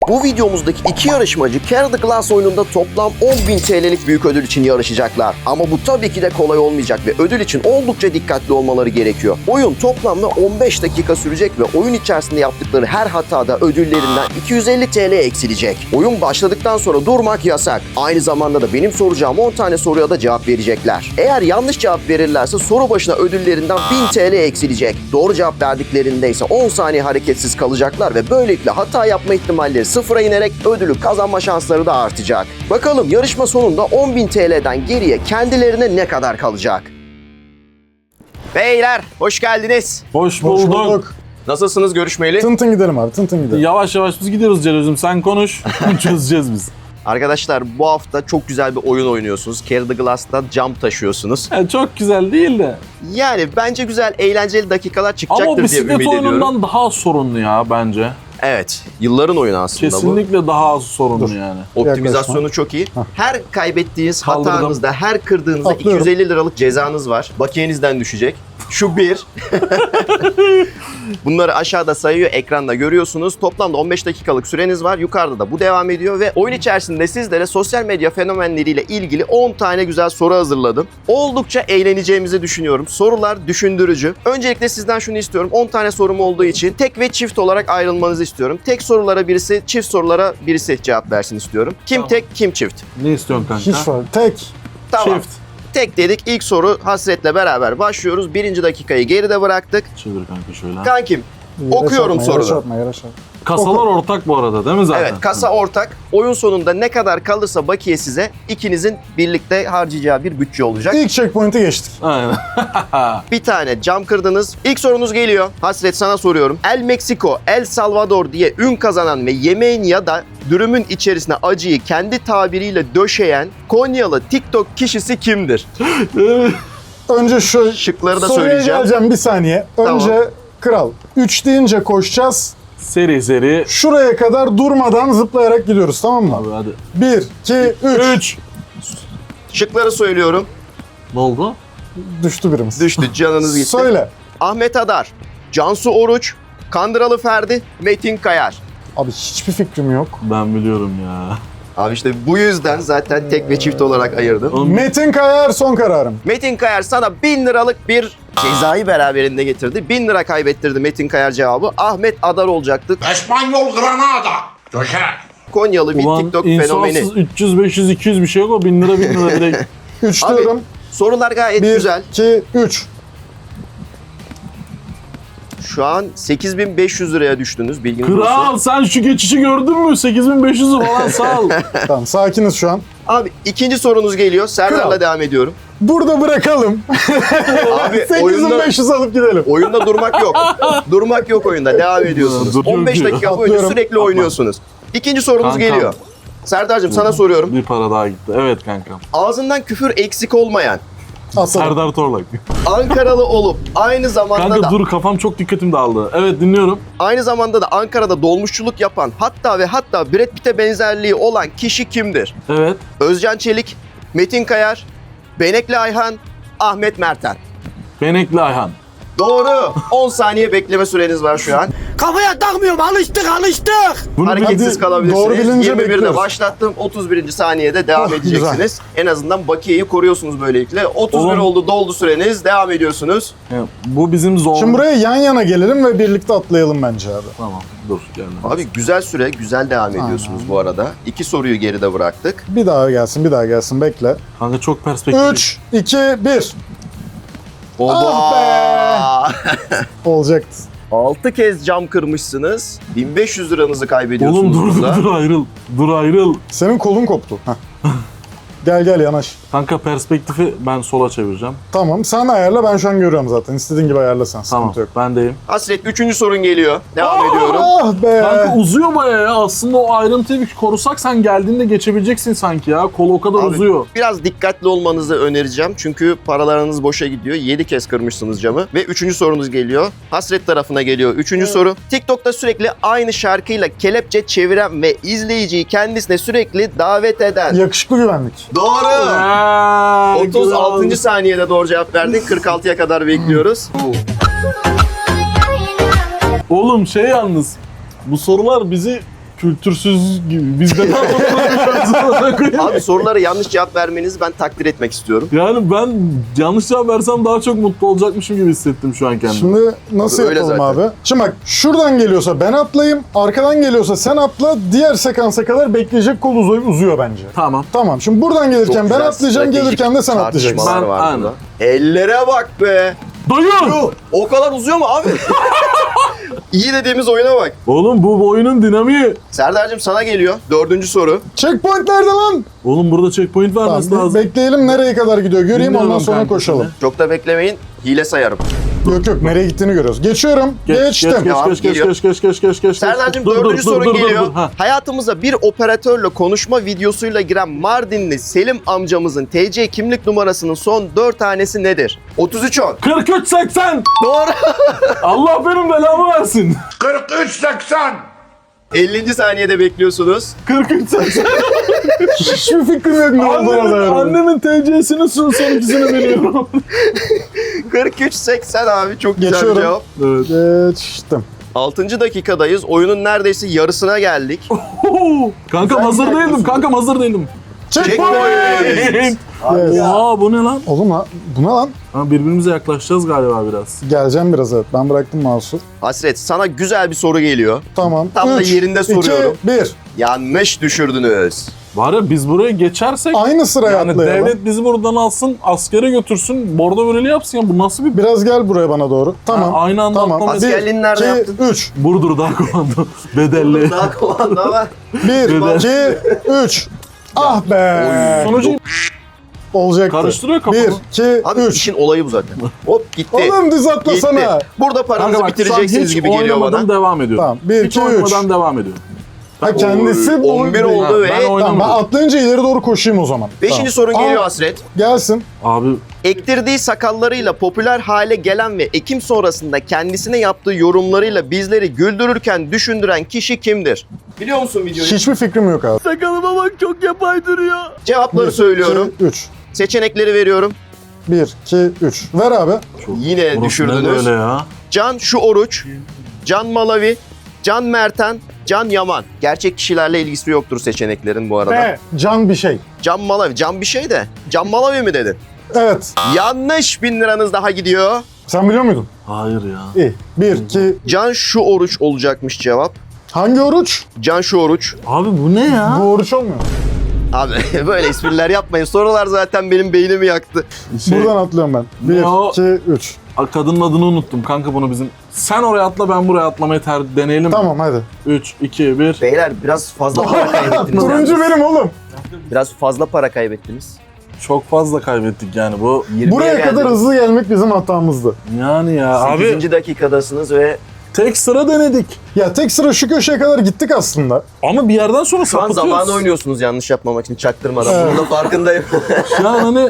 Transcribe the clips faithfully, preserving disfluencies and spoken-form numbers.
Bu videomuzdaki iki yarışmacı Carry the Glass oyununda toplam on bin T L'lik büyük ödül için yarışacaklar. Ama bu tabii ki de kolay olmayacak ve ödül için oldukça dikkatli olmaları gerekiyor. Oyun toplamda on beş dakika sürecek ve oyun içerisinde yaptıkları her hatada ödüllerinden iki yüz elli T L eksilecek. Oyun başladıktan sonra durmak yasak. Aynı zamanda da benim soracağım on tane soruya da cevap verecekler. Eğer yanlış cevap verirlerse soru başına ödüllerinden bin T L eksilecek. Doğru cevap verdiklerinde ise on saniye hareketsiz kalacaklar ve böylelikle hata yapma ihtimalleri sıfıra inerek ödülü kazanma şansları da artacak. Bakalım yarışma sonunda on bin T L'den geriye kendilerine ne kadar kalacak? Beyler hoş geldiniz. Hoş bulduk. Hoş bulduk. Nasılsınız görüşmeyeli? Tın tın gidelim abi, tın tın gidelim. Yavaş yavaş biz gidiyoruz Celil'cim. Sen konuş. Çözeceğiz biz. Arkadaşlar bu hafta çok güzel bir oyun oynuyorsunuz. Carry the Glass'ta cam taşıyorsunuz. Yani çok güzel değil de. Yani bence güzel, eğlenceli dakikalar Ama o çıkacaktır diye bisiklet ümit ediyorum. oyunundan daha az sorunlu ya bence. Evet, yılların oyunu aslında bu. Kesinlikle daha az sorunlu Dur. yani. Optimizasyonu Yaklaşma. çok iyi. Her kaybettiğiniz Kaldırdım. hatanızda, her kırdığınızda Atlıyorum. iki yüz elli liralık cezanız var. Bakiyenizden düşecek. Şu bir. Bunları aşağıda sayıyor, ekranda görüyorsunuz. Toplamda on beş dakikalık süreniz var. Yukarıda da bu devam ediyor ve oyun içerisinde sizlere sosyal medya fenomenleriyle ilgili on tane güzel soru hazırladım. Oldukça eğleneceğimizi düşünüyorum. Sorular düşündürücü. Öncelikle sizden şunu istiyorum. on tane sorum olduğu için tek ve çift olarak ayrılmanızı istiyorum. Tek sorulara birisi, çift sorulara birisi cevap versin istiyorum. Kim Tamam. tek, kim çift? Ne istiyorsun kanka? Hiç var. Tek. Tamam. Çift. Tek dedik. İlk soru Hasret'le beraber başlıyoruz. Birinci dakikayı geride bıraktık. Çevir kanka şöyle. Kankim, Yere okuyorum çarpma, sorunu. Yere çarpma, yere çarpma. Kasalar ortak bu arada değil mi zaten? Evet, kasa ortak. Oyun sonunda ne kadar kalırsa bakiye size ikinizin birlikte harcayacağı bir bütçe olacak. İlk checkpoint'i geçtik. Aynen. Bir tane cam kırdınız. İlk sorunuz geliyor. Hasret sana soruyorum. El Mexico, El Salvador diye ün kazanan ve yemeğin ya da dürümün içerisine acıyı kendi tabiriyle döşeyen Konyalı TikTok kişisi kimdir? Önce şu Şıkları da soruya söyleyeceğim. geleceğim bir saniye. Önce Tamam. kral. üç deyince koşacağız. Seri seri. Şuraya kadar durmadan zıplayarak gidiyoruz, tamam mı? Abi hadi. bir, iki, üç. Üç. Şıkları söylüyorum. Ne oldu? Düştü birimiz. Düştü, canınız gitti. Söyle. Ahmet Adar, Cansu Oruç, Kandıralı Ferdi, Metin Kayar. Abi hiçbir fikrim yok. Ben biliyorum ya. Abi işte bu yüzden zaten tek ve çift olarak ayırdım. Oğlum, Metin Kayar son kararım. Metin Kayar sana bin liralık bir cezayı beraberinde getirdi. bin lira kaybettirdi Metin Kayar cevabı. Ahmet Adar olacaktı. Espanyol Granada. Döşer. Konyalı bir ulan TikTok insafsız fenomeni. üç yüz beş yüz iki yüz bir şey yok o. bin lira bin lira direkt. üç Abi, diyorum. Sorular gayet bir, güzel. iki, üç. Şu an sekiz bin beş yüz liraya düştünüz, bilginiz Kral olsun. sen şu geçişi gördün mü? sekiz bin beş yüz falan sağ ol. Tamam, sakiniz şu an. Abi ikinci sorunuz geliyor. Serdar'la Kral. devam ediyorum. Burada bırakalım. Abi sekiz bin oyunda, beş yüz alıp gidelim. oyunda durmak yok. Durmak yok oyunda. Devam ediyorsunuz. Dur, dur, on beş dur. dakika boyunca Atlıyorum. sürekli oynuyorsunuz. İkinci sorunuz Kankam. geliyor. Serdar'cığım sana soruyorum. Bir para daha gitti. Evet kankam. Ağzından küfür eksik olmayan, Atalım. Serdar Torlak. Ankaralı olup aynı zamanda Kanka da dur kafam çok dikkatim dağıldı. Evet dinliyorum. aynı zamanda da Ankara'da dolmuşçuluk yapan, hatta ve hatta Brad Pitt'e benzerliği olan kişi kimdir? Evet. Özcan Çelik, Metin Kayar, Benekli Ayhan, Ahmet Merten. Benekli Ayhan. Doğru. on saniye bekleme süreniz var şu an. Kafaya takmıyorum, alıştık alıştık. Bunu Hareketsiz hadi kalabilirsiniz. doğru bilince yirmi birde bekliyoruz. başlattım. otuz birinci saniyede devam Oh, edeceksiniz. En azından bakiyeyi koruyorsunuz böylelikle. otuz bir Oğlum. oldu, doldu süreniz. Devam ediyorsunuz. Ya, bu bizim zor. Şimdi buraya yan yana gelelim ve birlikte atlayalım bence abi. Tamam dur gelme. Abi güzel süre, güzel devam ediyorsunuz bu arada. İki soruyu geride bıraktık. Bir daha gelsin, bir daha gelsin. Bekle. Kanka çok perspektif. üç, iki, bir. Oba! Olacaktı. altı kez cam kırmışsınız. bin beş yüz liranızı kaybediyorsunuz Oğlum dur burada. dur dur ayrıl. Dur ayrıl. Senin kolun koptu. Heh. Gel gel yanaş. Kanka perspektifi ben sola çevireceğim. Tamam, sen ayarla, ben şu an görüyorum zaten. İstediğin gibi ayarla sen, Tamam sıkıntı yok. bendeyim. Hasret üçüncü sorun geliyor. Devam ediyorum. Ah be! Kanka uzuyor bayağı ya. Aslında o ayrıntıyı bir korusak sen geldiğinde geçebileceksin sanki ya. Kol o kadar Abi, uzuyor. biraz dikkatli olmanızı önereceğim. Çünkü paralarınız boşa gidiyor. yedi kez kırmışsınız camı. Ve üçüncü sorunuz geliyor. Hasret tarafına geliyor. Üçüncü soru. TikTok'ta sürekli aynı şarkıyla kelepçe çeviren ve izleyiciyi kendisine sürekli davet eden. Yakışıklı güvenlik. Doğru. Eee, otuz altıncı saniyede doğru cevap verdin. kırk altıya kadar bekliyoruz. Oğlum şey yalnız. Bu sorular bizi Kültürsüz gibi. Biz de ne yapalım? Abi sorulara yanlış cevap vermenizi ben takdir etmek istiyorum. Yani ben yanlış cevap versem daha çok mutlu olacakmışım gibi hissettim şu an kendimi. Şimdi nasıl Abi öyle yapalım zaten. abi? Şimdi bak şuradan geliyorsa ben atlayayım, arkadan geliyorsa sen atla, diğer sekansa kadar bekleyecek kol uzuyor, uzuyor bence. Tamam. Tamam şimdi buradan gelirken Çok ben güzel atlayacağım, stratejik gelirken de sen atlayacaksın. tartışmalar Ben- var aynen. burada. Ellere bak be. Dayı! O kadar uzuyor mu abi? İyi dediğimiz oyuna bak. Oğlum bu oyunun dinamiği. Serdar'cığım sana geliyor. Dördüncü soru. Checkpoint nerede lan? Oğlum burada checkpoint vermesi Tamam, lazım. bekleyelim nereye kadar gidiyor göreyim, Bilmiyorum ondan sonra kanka koşalım. şimdi. Çok da beklemeyin. Hile sayarım. Yok yok, nereye gittiğini görüyoruz. Geçiyorum. Geç, Geçtim. Geç, geç, Tamam, geç, geç, geliyor. geç, geç, geç, geç, geç. Serdar'cığım Dur, dur, dördüncü dur, sorun dur, dur, geliyor. dur. Ha. Hayatımıza bir operatörle konuşma videosuyla giren Mardinli Selim amcamızın T C kimlik numarasının son dört tanesi nedir? otuz üç on. kırk üç seksen. Doğru. Allah benim belamı versin. kırk üç seksen. ellinci saniyede bekliyorsunuz. kırk üç seksen. Hiçbir fikrim yok ne olduğuna Annemin, dair. annemin T C'sini son son ikisini biliyorum. kırk üç seksen abi, çok güzel bir Geçiyorum. cevap. Evet. Geçtim. altıncı dakikadayız. Oyunun neredeyse yarısına geldik. Kankam hazır değildim. Kankam hazır değildim. Checkpoint. Yes. Oha bu ne lan? Oğlum lan, bu ne lan? Ha, birbirimize yaklaşacağız galiba biraz. Geleceğim biraz, evet. Ben bıraktım mouse'u. Hasret, sana güzel bir soru geliyor. Tamam. Tam da Üç, yerinde soruyorum. iki, bir. Yanlış düşürdünüz. Var ya biz buraya geçersek Aynı sıraya yani atlayalım. devlet bizi buradan alsın, askere götürsün, bordo böreli yapsın ya. Bu nasıl bir... Biraz gel buraya bana doğru. Tamam. Ha, aynı anda tamam. atlamayı- Askerliğini nerede yaptın? üç. Burdur daha komando. Bedelli. Daha komando ama. bir, iki, üç. Ah be. Sonucu Olacaktı. karıştırıyor kafamı. bir, iki, Abi üç. işin olayı bu zaten. Hop gitti. Oğlum düz Gitti. atlasana. Burada paranızı Kanka bak şu an bitireceksiniz hiç gibi geliyor oynamadan bana. devam ediyorum. Tamam. bir, Hiç iki, üç. oynamadan devam ediyorum. Ha kendisi Oy, bu. on bir değil. oldu Ha, ve ben Tamam, ben oynamadım. atlayınca ileri doğru koşayım o zaman. beşinci Tamam. sorun geliyor Aa, Hasret. Gelsin. Abi Ektirdiği sakallarıyla popüler hale gelen ve Ekim sonrasında kendisine yaptığı yorumlarıyla bizleri güldürürken düşündüren kişi kimdir? Biliyor musun videoyu? Hiçbir fikrim yok abi. sakalıma bak çok yapay duruyor. Cevapları söylüyorum. üç. Seçenekleri veriyorum. bir, iki, üç. Ver abi. Yine Burası ne düşürdünüz. böyle ya? Can Şu Oruç, Can Malavi, Can Merten, Can Yaman. Gerçek kişilerle ilgisi yoktur seçeneklerin bu arada. E, can bir şey. Can Malavi, Can bir şey de. Can Malavi mi dedin? Evet. Yanlış, bin liranız daha gidiyor. Sen biliyor muydun? Hayır ya. İyi. bir, iki. Can Şu Oruç olacakmış cevap. Hangi oruç? Can Şu Oruç. Abi bu ne ya? Bu oruç olmuyor. Abi böyle espriler yapmayın. Sorular zaten benim beynimi yaktı. Şey, Buradan atlıyorum ben. Ne bir, o? iki, üç. kadının adını unuttum kanka bunu bizim. Sen oraya atla ben buraya atlamayı ter deneyelim. Tamam hadi. üç, iki, bir. Beyler biraz fazla para kaybettiniz. Turuncu yalnız. benim oğlum. Biraz fazla para kaybettiniz. Çok fazla kaybettik yani bu. yirmiye Buraya kadar geldiniz. hızlı gelmek bizim hatamızdı. Yani ya abi sekizinci dakikadasınız ve tek sıra denedik. Ya tek sıra şu köşeye kadar gittik aslında. Ama bir yerden sonra şu an sapıtıyoruz. zamanı oynuyorsunuz yanlış yapmamak için çaktırmadan. Evet. Bunun da farkındayım. Şu an hani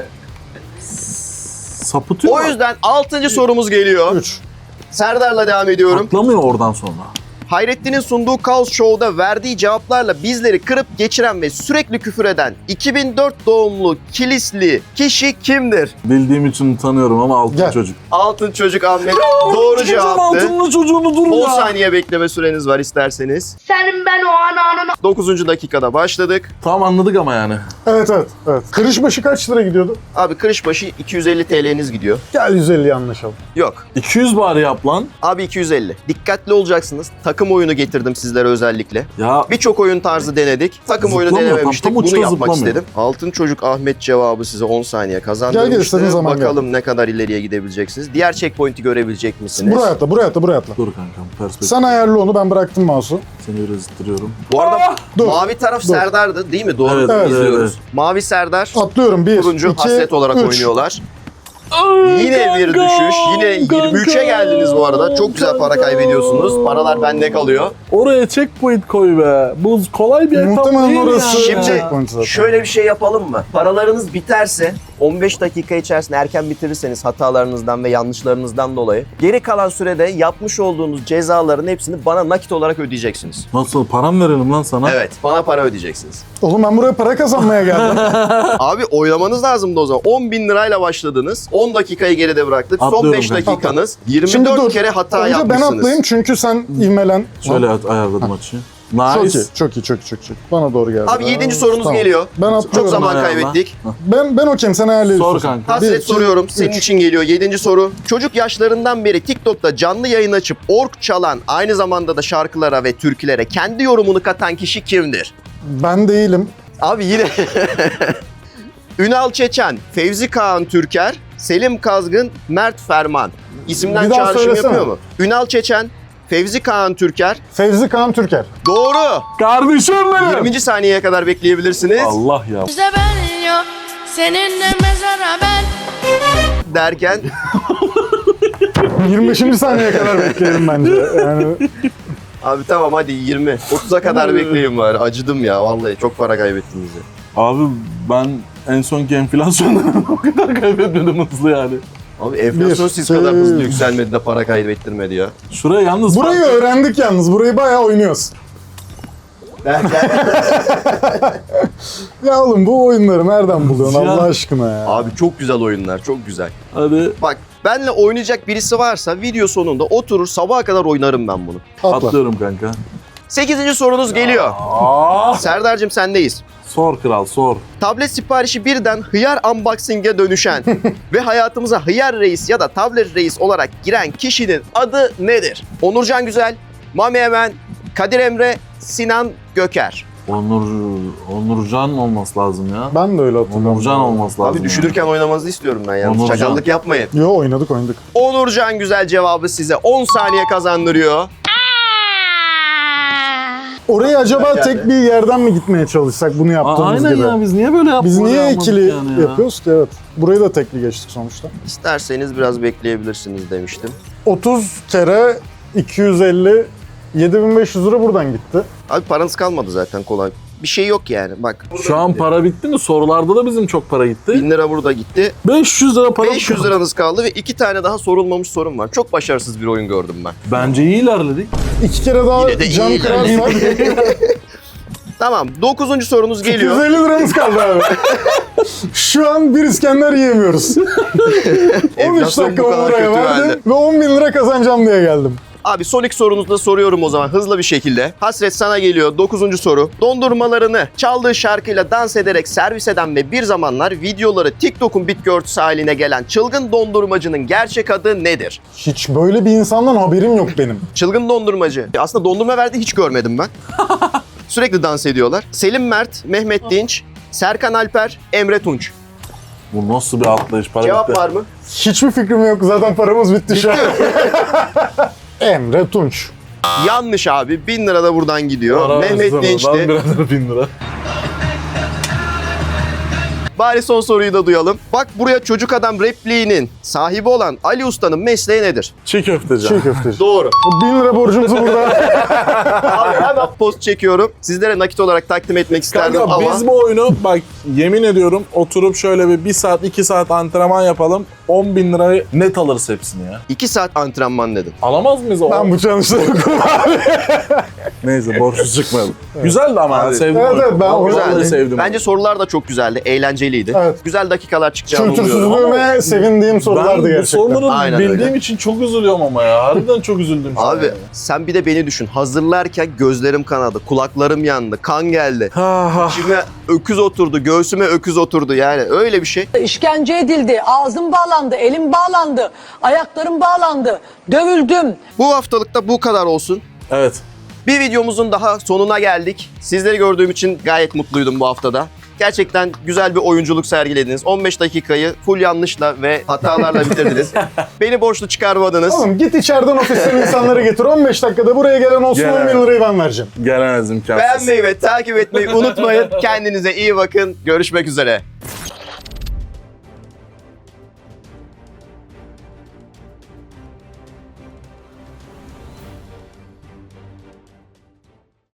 sapıtıyor. O yüzden altıncı sorumuz geliyor. üç. Serdar'la devam ediyorum. Atlamıyor oradan sonra. Hayrettin'in sunduğu Kaos Show'da verdiği cevaplarla bizleri kırıp geçiren ve sürekli küfür eden iki bin dört doğumlu Kilisli kişi kimdir? Bildiğim için tanıyorum ama altın Gel. çocuk. Altın Çocuk Ahmet doğru Çıkacağım cevaptı. altınlı çocuğunu dur on ya. saniye bekleme süreniz var isterseniz. Senin ben o ananı dokuzuncu dakikada başladık. Tamam anladık ama yani. Evet evet. evet. Kırış başı kaç lira gidiyordu? Abi kırış başı iki yüz elli T L'niz gidiyor. Gel yüz elli anlaşalım. Yok. iki yüz bari yap lan. Abi iki yüz elli. Dikkatli olacaksınız. Takım oyunu getirdim sizlere özellikle. Ya Birçok oyun tarzı denedik. Takım oyunu Zıplamıyor, denememiştik. tam- tam Bunu uçta yapmak zıplamıyor. istedim. Altın Çocuk Ahmet cevabı size on saniye Gel kazandırmıştı. gel, istediğin zaman gel. Bakalım ne kadar ileriye gidebileceksiniz. Diğer checkpoint'i görebilecek misiniz? Buraya atla, buraya atla, buraya atla. dur kankam perspektif. Sen ayarlı onu, ben bıraktım mouse'u. Seni biraz ittiriyorum. Bu arada Dur. mavi taraf Dur. Serdar'dı değil mi? Doğru Evet, evet, izliyoruz. evet. Mavi Serdar, Atlıyorum. bir, turuncu iki, Hasret olarak üç. oynuyorlar. Yine bir düşüş. Yine yirmi üçe geldiniz bu arada. Çok güzel para kaybediyorsunuz. Paralar bende kalıyor. Oraya checkpoint koy be. Bu kolay bir etap Muhtemelen değil orası- yani. Şimdi checkpoint zaten. şöyle bir şey yapalım mı? Paralarınız biterse on beş dakika içerisinde erken bitirirseniz hatalarınızdan ve yanlışlarınızdan dolayı geri kalan sürede yapmış olduğunuz cezaların hepsini bana nakit olarak ödeyeceksiniz. Nasıl param verelim lan sana? Evet, bana para ödeyeceksiniz. Oğlum ben buraya para kazanmaya geldim. Abi oylamanız lazımdı o zaman. on bin lirayla başladınız. on dakikayı geride bıraktık. Son Atlıyorum beş kanka. dakikanız. yirmi Şimdi dört dur. kere hata Önce ben yapmışsınız. atlayayım çünkü sen ivmelen. Şöyle at- ayarladım açıyı. Nice. Çok iyi, çok iyi, çok iyi, çok iyi. Bana doğru geldi. Abi yedinci Aa, sorunuz tamam. geliyor. Ben atlıyorum. Çok zaman ayağına. kaybettik. Ben ben okeyim, sen ayarlayabilirsin. Sor kanka. Hasret Bir, iki, soruyorum. üç. Senin için geliyor. Yedinci soru. Çocuk yaşlarından beri TikTok'ta canlı yayın açıp ork çalan, aynı zamanda da şarkılara ve türkülere kendi yorumunu katan kişi kimdir? Ben değilim. Abi yine Ünal Çeçen, Fevzi Kağan Türker, Selim Kazgın, Mert Ferman. İsimden Bir daha çağrışım söylesene. yapıyor mu? Ünal Çeçen, Fevzi Kağan Türker. Fevzi Kağan Türker. Doğru. Kardeşim benim. yirminci saniyeye kadar bekleyebilirsiniz. Allah ya. Bize ben yok, seninle mezara ben. Derken yirmi beşinci saniyeye kadar bekleyelim bence. Yani abi tamam hadi yirmi. otuza kadar bekleyin bari. Acıdım ya vallahi. Çok para kaybettiniz ya. Abi ben en sonki enflasyondan o kadar kaybetmedim hızlı yani. Abi enflasyon Bir, siz kadar şey- hızlı yükselmedi de para kaybettirmedi ya. Şuraya yalnız burayı fark- öğrendik yalnız. Burayı bayağı oynuyoruz. Derken Ya oğlum bu oyunları nereden buluyorsun Ya. Allah aşkına ya? abi çok güzel oyunlar. Çok güzel. Hadi Bak benle oynayacak birisi varsa video sonunda oturur sabaha kadar oynarım ben bunu. Atla. atlıyorum kanka. sekizinci sorunuz geliyor. Aa, Serdar'cığım sendeyiz. sor kral sor. Tablet siparişi birden hıyar unboxing'e dönüşen ve hayatımıza hıyar reis ya da tablet reis olarak giren kişinin adı nedir? Onurcan Güzel, Mami Emen, Kadir Emre, Sinan Göker. Onur Onurcan olması lazım ya. Ben de öyle hatırlıyorum. Onurcan olması lazım. Abi düşünürken oynamanızı istiyorum ben yalnız. Onurcan. Çakallık yapmayın. Yo oynadık oynadık. Onurcan Güzel cevabı size on saniye kazandırıyor. Oraya acaba Yani. tek bir yerden mi gitmeye çalışsak bunu Aa, yaptığımız aynen gibi? ya biz niye böyle yaptık? Biz niye Yapmadık ikili yani ya? yapıyoruz ki? Evet. Burayı da tekli geçtik sonuçta. İsterseniz biraz bekleyebilirsiniz demiştim. otuz kere iki yüz elli yedi bin beş yüz lira buradan gitti. Abi paranız kalmadı zaten kolay. Bir şey yok yani bak. Şu an para bitti mi? Sorularda da bizim çok para gitti. bin lira burada gitti. beş yüz lira para beş yüz liranız kaldı ve iki tane daha sorulmamış sorum var. Çok başarısız bir oyun gördüm ben. Bence iyi ilerledik. İki kere daha Yine de cam iyi kırarsak Tamam dokuzuncu sorunuz geliyor. yüz elli liramız kaldı abi. Şu an bir İskender yiyemiyoruz. on üç Enflasyon bu dakika kadar buraya kötü verdim halde. ve on bin lira kazanacağım diye geldim. Abi son iki sorunuzu da soruyorum o zaman hızlı bir şekilde. Hasret sana geliyor dokuzuncu soru. Dondurmalarını çaldığı şarkıyla dans ederek servis eden ve bir zamanlar videoları TikTok'un bitki örtüsü haline gelen çılgın dondurmacının gerçek adı nedir? Hiç böyle bir insandan haberim yok benim. Çılgın dondurmacı. Aslında dondurma verdi hiç görmedim ben. Sürekli dans ediyorlar. Selim Mert, Mehmet Dinç, Serkan Alper, Emre Tunç. Bu nasıl bir atlayış? Para Cevap bitti. var mı? Hiçbir fikrim yok. Zaten paramız bitti şu an. Emre Tunç. Yanlış abi. Bin lira da buradan gidiyor. Para Mehmet versene, Dinç'ti. ben birader bin lira. Bari son soruyu da duyalım. Bak buraya çocuk adam repliğinin sahibi olan Ali Usta'nın mesleği nedir? Çiğ köfteci. Çiğ köfteci. Doğru. bin lira borcumuzu burada. Abi hemen post çekiyorum. Sizlere nakit olarak takdim etmek isterdim Kanka ama... biz bu oyunu bak yemin ediyorum oturup şöyle bir bir saat iki saat antrenman yapalım. on bin lirayı net alırız hepsini ya. iki saat antrenman dedim. Alamaz mıyız o? Ben bu çalışları Neyse borçsuz çıkmayalım. Güzeldi ama Abi. sevdim. Evet, oyunu. evet, ben Vallahi güzeldi. sevdim. Bence sorular da çok güzeldi. Eğlenceliydi. Evet. Güzel dakikalar çıkacağını umuyorum. Kültürsüzlüğüme sevindiğim sorulardı ben bu gerçekten. soruları Aynen bildiğim öyle. için çok üzülüyorum ama ya. Harbiden çok üzüldüm. şu an Abi ya. sen bir de beni düşün. Hazırlarken gözlerim kanadı, kulaklarım yandı, kan geldi. Ha, ha. İçime öküz oturdu, göğsüme öküz oturdu yani öyle bir şey. İşkence edildi, ağzım bağlandı, elim bağlandı, ayaklarım bağlandı, dövüldüm. Bu haftalıkta bu kadar olsun. Evet. Bir videomuzun daha sonuna geldik. Sizleri gördüğüm için gayet mutluydum bu haftada. Gerçekten güzel bir oyunculuk sergilediniz. on beş dakikayı full yanlışla ve hatalarla bitirdiniz. Beni borçlu çıkarmadınız. Oğlum git içeriden ofisten insanları getir. on beş dakikada buraya gelen olsun Gel. on bin lirayı ben vereceğim. Gelemez imkansız. Beğenmeyi ve takip etmeyi unutmayın. Kendinize iyi bakın. Görüşmek üzere.